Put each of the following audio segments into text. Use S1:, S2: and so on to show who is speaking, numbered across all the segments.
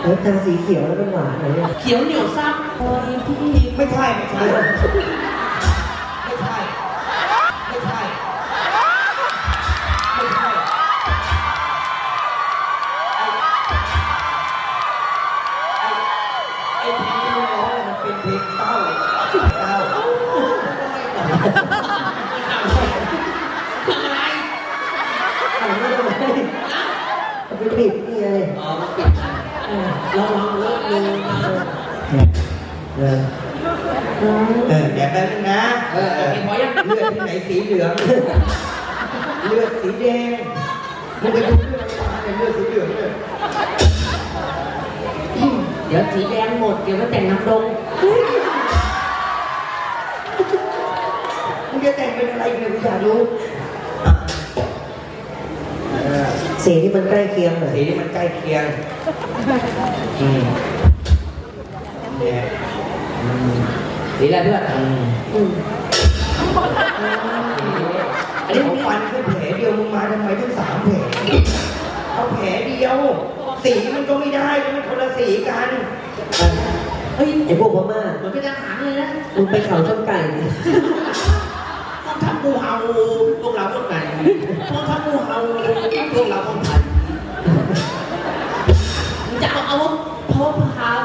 S1: แล้วทางสีเขียวแล้วเป็นหวานอะไรเนี่ย
S2: เขียวเหนียวซับ
S3: ไม่ใช่ไม่ใช่ไม่ใช่ไม่ใช่ไม่ใช่ไอ้เพลงที่ร้องมันเป็นเพลงเต้า
S2: อะไร
S1: ไม่ได้ไปปิดนี่ไง
S2: อ๋อมันปิดระวังเลิกดูนะ
S3: เดี๋ยวแป๊บนึงนะ
S2: เห็นพอยัง
S3: เลือดที่ไหนสีเหลืองเลือดสีแดงมึงไปดูเลือดอะไรเลือดสีเหลืองเลย
S2: เดี๋ยวสีแดงหมดเดี๋ยวมาแต่งน้ำดง
S3: มึงจะแต่งเป็นอะไรเนี่ยกูอยากรู้
S1: สีที่มันใกล้เคียงหน่อย
S3: สีที่มันใกล้เคียงเนี่ย
S2: สีอะไรเพื่อน
S3: อันนี้ผมฟันแค่แผลเดียวมึงมาทำไมถึง3 แผลเอาแผลเดียวสีมันก็ไม่ได้มันคนละสีกัน
S1: เฮ้ยไอพวกพม่า
S2: เหมือนเป็นอาหารเลยนะ
S1: มึงไปเขาชนไก่
S2: ต้องทำงูเห่าพวกเราคนไหนต้องทำงูเห่าพวกเราคนไทยจะเอาพบพา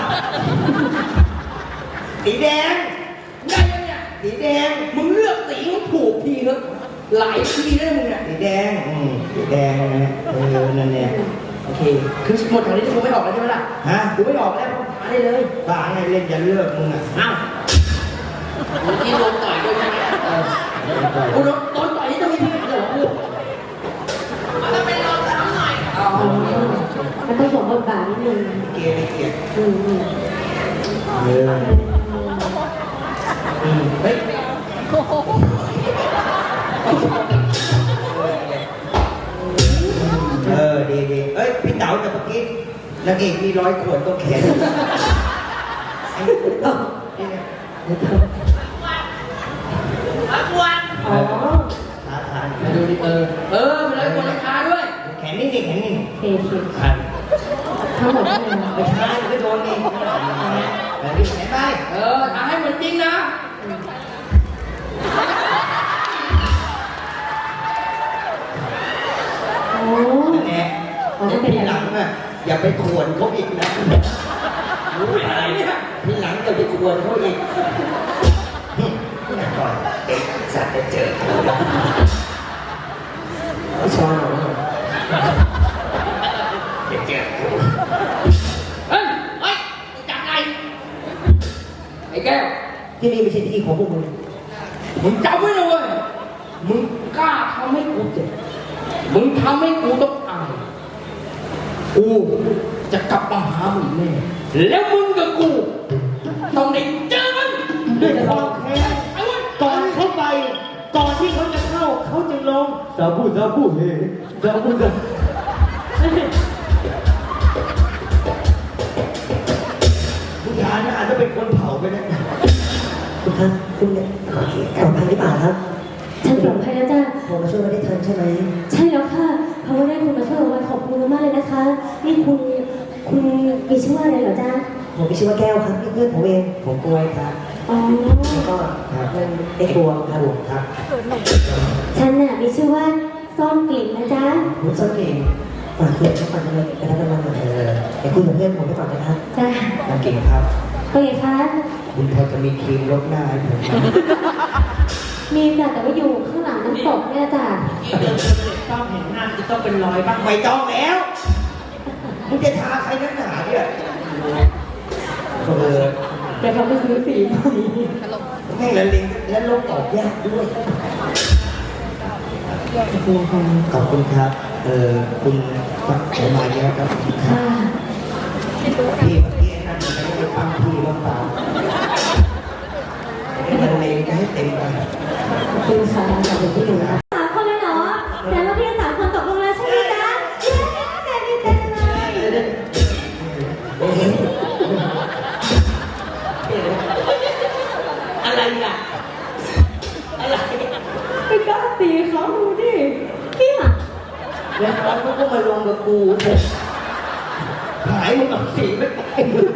S3: สีแดง
S2: ได้ยังเนี่ย
S3: สีแดง
S2: มึงเลือกสีมึงถูกทีเถอะหลายทีได้มึงเนี่ย
S3: สีแดงสีแดงนะนั่นเนี่ย
S2: โอเคคือหมดแถวนี้จะกูไม่ออกแล้วใช่ไหมล่ะ
S3: ฮะ
S2: กูไม่ออกแล้วหาได้เลย
S3: บ้าไงเล่นจะเลือกมึงอ่ะ
S2: อ้าวเมื่อกี้โดนต่อยด้วยใช่ไหมกูโดนต่อยนี่จะมีที่ไหนเหรอกูมันต้องเป็นเราทำหน่อยอ๋อ
S4: มันต้องสมบทบาทนิดนึง
S3: เกลียดเกลียด เฮ้ยดีเอ้ยพี่เต๋าแต่เมื่อกี้นางเอกมี100 ขวดต้องแขนไอ้นี่เนี่ย
S4: อ๋อ
S3: ท้าทาย
S2: มาดูดิเป็นร้อยคนราคาด้วย
S3: แขนนี่ดิแขนนี่
S4: เคเค
S3: ขัน
S4: ทั้งหมดเท่าไหร่
S3: ไม่ใช่ไม่โดนนี่แบบนี้แขนไป
S2: ทำให้เหมือนจริงนะ
S4: โอ้
S3: นั่นแหละทีหลังอ่ะอย่าไปขวนเขาอีกนะรู้อะไรเนี่ยทีหลังอย่าไปขวนเขาอีกก่อนเด็กสัตว์จะเจอ
S1: ไม่ชอบ
S3: จะเจอ
S2: เฮ้ยจับไงไอ้แก้ว
S1: ที่นี่ไม่ใช่ที่ของพวกมึง
S2: มึงจำไว้นะเว้ยมึงกล้าทำให้กูเจ็บมึงทำให้กูต้องอายกูจะกลับมาหามึงแน่แล้วมึงกับกูต้องได้เจอมัน
S1: ด้วยความแค้น
S2: เอาเว้ย
S1: ก่อนเข้าไป ก่อนที่เขาจะเข้า เขาจึงลงซาบูเฮซาบูซา
S3: ผู้ชายน่าจะเป็นคนเผาไปนะ
S1: คุณครับคุณเนี่ยปลอดภัยหรือเปล่าครับ
S4: ฉันปลอดภัยแล้วจ้า
S1: ผมมาช่วยไม่ได้ทันใช่ไหม
S4: ใช่แล้วค่ะเพราะว่าได้คุณมาช่วยวันขอบคุณมากเลยนะคะ นี่คุณมีชื่อว่าอะไรเหรอจ้า
S1: ผมมีชื่อว่าแก้วครับนี่เพื่อนผมเอง
S3: ผมกล้วยครับ
S4: อ๋อ
S1: แล้วก็มันไอ้ตัวครับผม
S3: ครับ
S4: ฉันน่ะมีชื่อว่าซ่อนกลิ่นนะจ๊ะ
S1: คุณส้นเองฝากเพื่อนเขาฝากอะไรไปรับรางวัลหน่อยเดี๋ยวคุยกับเพื่อนผมไปก่อนนะครับ
S4: จ้า
S3: น้ำเก่งครับ
S4: ก็ไงคะ
S3: คุณพอจะมีครีมลดหน้าให้ผมไหม
S4: มีจ้ะแต่ว่าอยู่ข้างหลังน้ำตกเนี่ยจ้ะ
S2: ที่เดินเสด็จต้องเห็นหน้าจะต้องเป็นรอยบ้าง
S3: ไม่ต้องแล้วมึงจะทาใครนักหนาเนี่ย
S4: เดี๋ยวเขาไปซื้อสีใหม่
S3: แม่งละเลงและลบออกยากด้วย ขอบคุณครับ คุณฟังผมมาเยอะครับ
S4: ค่ะ
S3: พี่เมื่อกี้นั่นมันไม่ได้ฟังพี่หรือเปล่าละเลงจะให้เต็มไป
S4: ขอบคุณค่ะขอบคุณที่ดูนะ3 คนเลยเหรอแต่ว่าพี่3 คนตกลงแล้วใช่ไหมจ๊ะเย้แต่ดีใจเลย
S2: อะไรอ่ะอะไร
S4: ไม่กล้าตีเขาดูดิเนี่ย
S3: แล้วเขาก็มาลงกับกู
S2: พ
S3: หายมึงเอาสีไปไป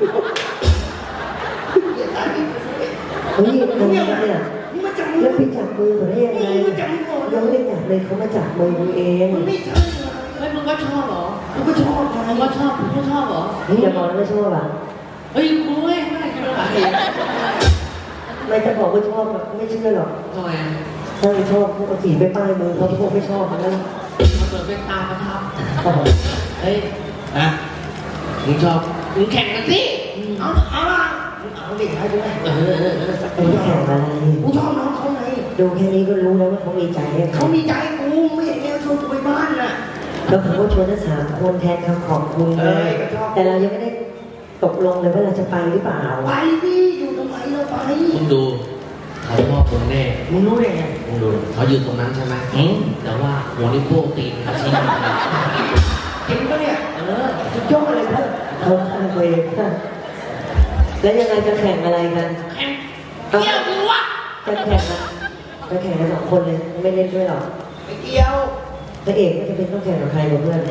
S3: อย่าตายดิ
S1: เฮ้ยทำไมเนี่ย
S3: มึงมาจับมื
S1: แล้ว
S3: อ
S1: ไปจับมือเขาได้ยังไง
S3: มึงมาจับมือก่อน
S1: ยังไม่ได้จับเลยเขามาจับมือมึงเอง
S3: มันไม่ใช่เหรอ
S2: เฮ้ยมึงก็ชอบเหรอ
S3: กูก็ชอบไง
S2: มึงก็ชอบมึงก็ชอบเหรอ
S1: นี่อย่าบอกนะไม่ชอบอ่ะ
S2: เฮ้ยกูไม่กินอาหารเอง
S1: ไม่จะบอกว่าชอบอะไม่เชื่อหรอก
S2: ทำไมอ่ะ
S1: ถ้าไม่ชอบพวกเอาสีไปป้ายมือเขาพวกไม่ชอบนะ
S2: มันเปิดเป็นตาประทับเฮ้ย
S3: ฮะ
S2: มึงชอบมึงแข่งกันสิ
S3: เอาละเอาดิให้ด้วย
S1: ไอ้แข่งอะไร
S3: กูชอบน้องเขาไง
S1: ดูแค่นี้ก็รู้แล้วว่าเขามีใจให้
S3: เขามีใจกูไม่เห็นแนวชวนกูไปบ้านน่ะ
S1: แล้วเขาก็ชวนทั้งสามคนแทนคำขอบคุณเล
S3: เอย อก็ชอบ
S1: แต่เรายังไม่ได้ตกลงเลยว่าเราจะไปหรือเปล่า
S3: ไปดิอยู่ทำไมเราไป
S2: มึงดูเขาชอบมึงแน่
S3: มึงรู้ได้ไง
S2: มึงดูเขายืนตรงนั้นใช่ไหมแต่ว่าหัวนิ้วโป้งตีนเขาชี้
S3: จริงปะเนี่ยสุดยอดเลยเพื่อน
S1: เขาข้างตัวเองแล้วยังไงจะแข่งอะไรกัน
S2: แข่งเกี่ยวกูวะ
S1: จะแข่งอะจะแข่งกันสองคนเลยไม่เล่นด้วยหรอก
S3: ไม่เกี่ยว
S1: พระเอกก็จะเป็นต้องแข่งกับใครกับเพื่อน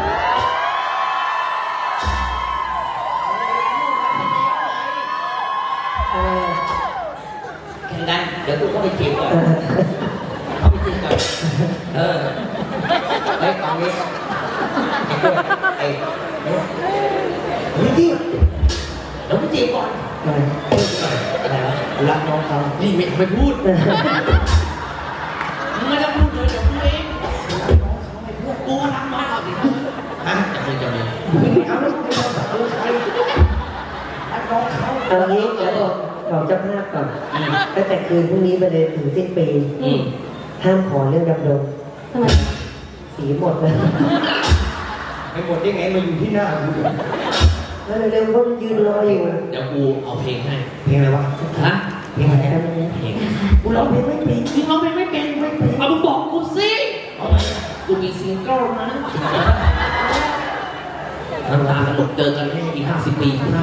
S3: แข่งกันเดี๋ยวกูก็ไปจีบก่อนเข้าไปจีบก่อนไอ้ตอนนี้ไอ้เฮ้ยดิเดี๋ยวไปจีบก่อนอะไรวะรักน้องเขา
S2: นี่ไม่พูดมึงไม่ต้องพูดเลยเดี๋ยวพูดเองกูรักน้อยเอาสิ
S3: ฮะ
S2: จะเลย
S3: ไม่เอาแล้วกูจะบอกกูใครรักน้องเขา
S1: เอางี้แล้วบอกเจ้าภาพก่อนตั้งแต่คืนพรุ่งนี้ไปเลยถึงสิ้นปีห้ามขอเรื่องดำรง
S4: ทำไม
S1: สีหมดเลย
S3: ไม่หมดได้ไงมาอยู่ที่หน้ากู
S1: แล้วเร็วๆเขายืนรออยู่
S2: เดี๋ยวกูเอาเพลงให้
S3: เพลงอะไรวะ
S2: ฮะ
S3: เพลงอะไร
S1: แป๊
S3: นะ
S1: บนึงนะ
S2: เพลง
S3: กูร้องเพลงไม่เป็น
S2: มึงร้องเพลงไม่เป็นเอามึงบอกกูสิกูมีซิงเกิลนะน้ำตาตลกเจอกันให้อีก50 ปีข้างหน้า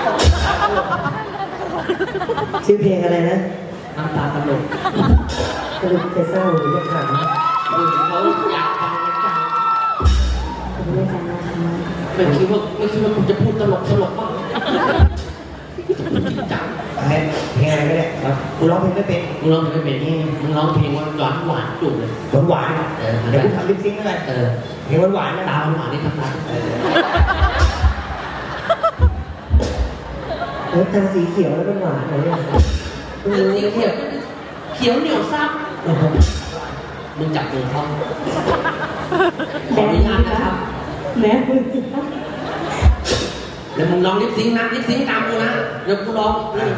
S1: ชื่อเพลงอะไรนะ
S2: น้ำตาตลก
S1: สรุปจะเศร้าหรือจะข
S2: เขาอยากฟังกันจัง
S4: ผมไม่จำนะคะ
S2: ไม่คิดว่ากูจะพูดตลกบ้างจริงจัง
S3: เพลงอะไรก็ได้ครับกูร้องเพลงไม่เป็น
S2: มึงร้องเพลงไม่เป็นมึงร้องเพลงหวานจุกเลย
S3: หวานๆเดี๋ยวกูทำลิปซิงค์แล้วกันเพลงหวานๆนะ
S2: ตาหวานนี่ทั้งนั้น
S1: ำแล้วตาสีเขียวแล้วเป็นหวานเลยเนี่ยเพิ่งรู้
S2: สี
S1: นะ
S2: เขี
S1: เนี่ย ยว
S2: เขียวเหนียวซับมึงจับมือเขาขออนุญาตนะครับ
S4: แม่คุณ
S2: แล้วมึงร้องลิปซิงค์นะลิปซิงค์ตามกูนะเดี๋ยวกูร้อง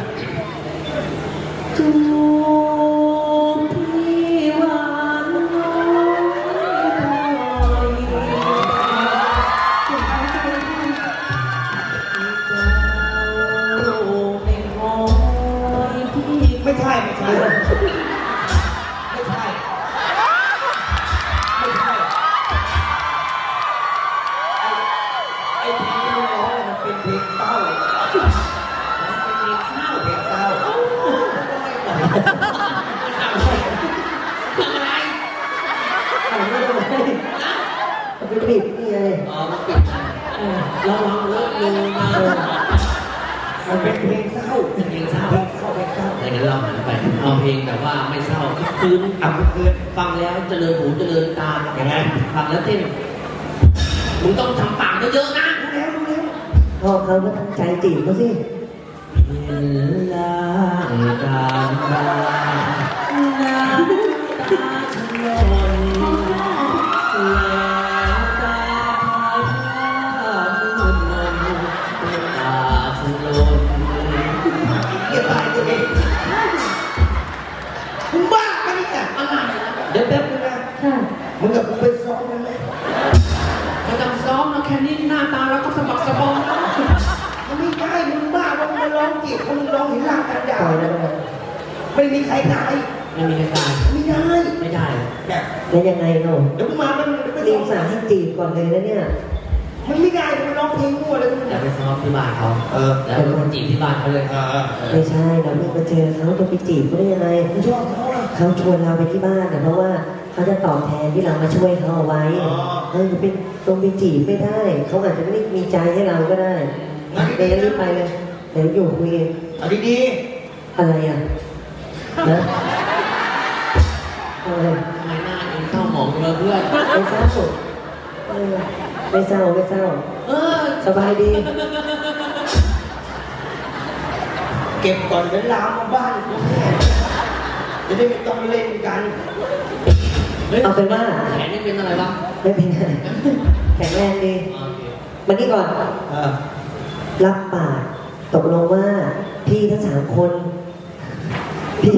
S2: จูบที่หวานน้อยที่
S3: ไม่ใช่ไม่ใช่ไม่ใช่ไม่ใช่ไอ้เพลงที่มึงร้องมันเป็นเพลงเศร้าเพลงเศร้า
S2: ทำอะไร
S1: อ่านไม่ได้ไหมไปปิดนี่ไง
S2: อ๋อมันปิดระวังเลิกลืมนะ
S3: มันเป็นเพลงเศร้า
S2: เพลงเศร้า
S3: เพลงเศร้าเพลงเศร้า
S2: งั้นเราหันไปเอาเพลงแบบว่าไม่เศร้าคืน
S3: อ่ะเพื่อน
S2: ฟังแล้วเจริญหูเจริญตาอย่างนั้นฟังแล้วเต้นมึงต้องทำปากเยอะๆนะ
S3: รู้แล้วรู้แล้ว
S1: พ่อเขาก็ตั้งใจจีบเขาสิ
S2: เห็นลางการตาน้ำตาชะลนแล้วตาพาพามุนมนตาชะลน
S3: เก็บตายตัวเองมึงบ้าปะเนี่ย
S2: อะไรนะ
S3: เดี๋ยวแป๊บนึงนะ
S4: ค่ะ
S3: มึงกับกูไปซ้อมกันไหม
S2: ไม่ต้องซ้อมนะแค่นี้หน้าตาเราก็สะบักสะบอมแล้ว
S3: มันไม่ได้มึงบ้าว่ามึงมาร้องจีบคนมึงร้องเห็นร่างกันดา
S1: ปล่อยแล้วกัน
S3: ไม่มีใครตาย
S2: ไม่มีใครตาย
S3: ไม่ได้
S2: ไม่ได้
S3: เนี่ย
S1: แล้วยังไงเนาะ
S3: เดี๋ยวมึงมามันไป
S1: รี
S3: ซ้อบ ม
S1: สาให้จีบก่อนเลยนะเนี่ย
S3: มันไม่ได้มึงร้องเพลงมั่วเลยมึง
S2: อย่าไปซ้อมที่บ้านเขา แล้วคนจีบที่บ้านเขาเลย
S1: ไม่ใช่เราไม่มาเจอเขาจะไปจีบเขาได้ยังไง
S3: มึงชอบเขาอ่ะ
S1: เขาชวนเราไปที่บ้านแต่เพราะว่าเขาจะตอบแทนที่เรามาช่วยเขาเอาไว้เป็นตรงไปจีบไม่ได้เขาอาจจะไม่ได้มีใจให้เราก็ได้เดี๋ยวรีบไปเลยเดี๋ยวอยู่คุยกัน
S3: เอาดี
S1: อะไรอ่ะนะอะไร
S2: ทำไมหน้าเองเศร้าหมองเลยเพื่อน
S1: ไม่เศร้าไม่เศร้าไม่เศร้า
S2: เออ
S1: สบายดี
S3: ๆเก็บก่อนเดี๋ยวลามมาบ้านกูแน่จะได้ไม่ต้องเล่นกัน
S1: เอาเป็นว่า
S2: แขนนี่เป็นอะไรวะ
S1: ไม่เป็นไรแข็งแรงดี
S2: โอเค
S1: มานี่ก่อน รับปากตกลงว่าพี่ทั้ง3 คนพี่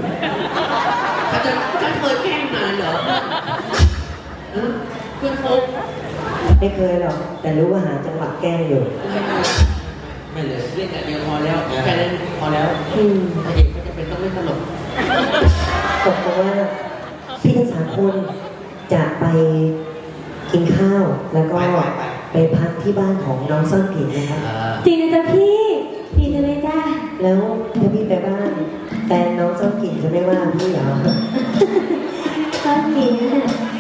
S2: ฉันเคยแกล้งนานเหรอเพื่อนโฟก
S1: ไม่เคยหรอกแต่รู้ว่าหาจังหวะแกล้งอยู่
S2: ไม่เลยเล่นแต่เดียวพอแล้วแค่เล่นพอแล้ว
S1: อืม
S2: ถ้าเด็กก็จะเป็นต้องเล่นตลก
S1: ตกลงว่าพี่ทั้ง3 คนจะไปกินข้าวแล้วก็ไปพักที่บ้านของน้องซ่อนกลิ่นนะครับ
S4: จริงนะจ๊ะพี่ดีจังเลยจ้า
S1: แล้วถ้าพี่ไปบ้านแฟนน้องซ่อนกลิ่นจะไม่ว่าพี่เหรอ
S4: ตอนนี้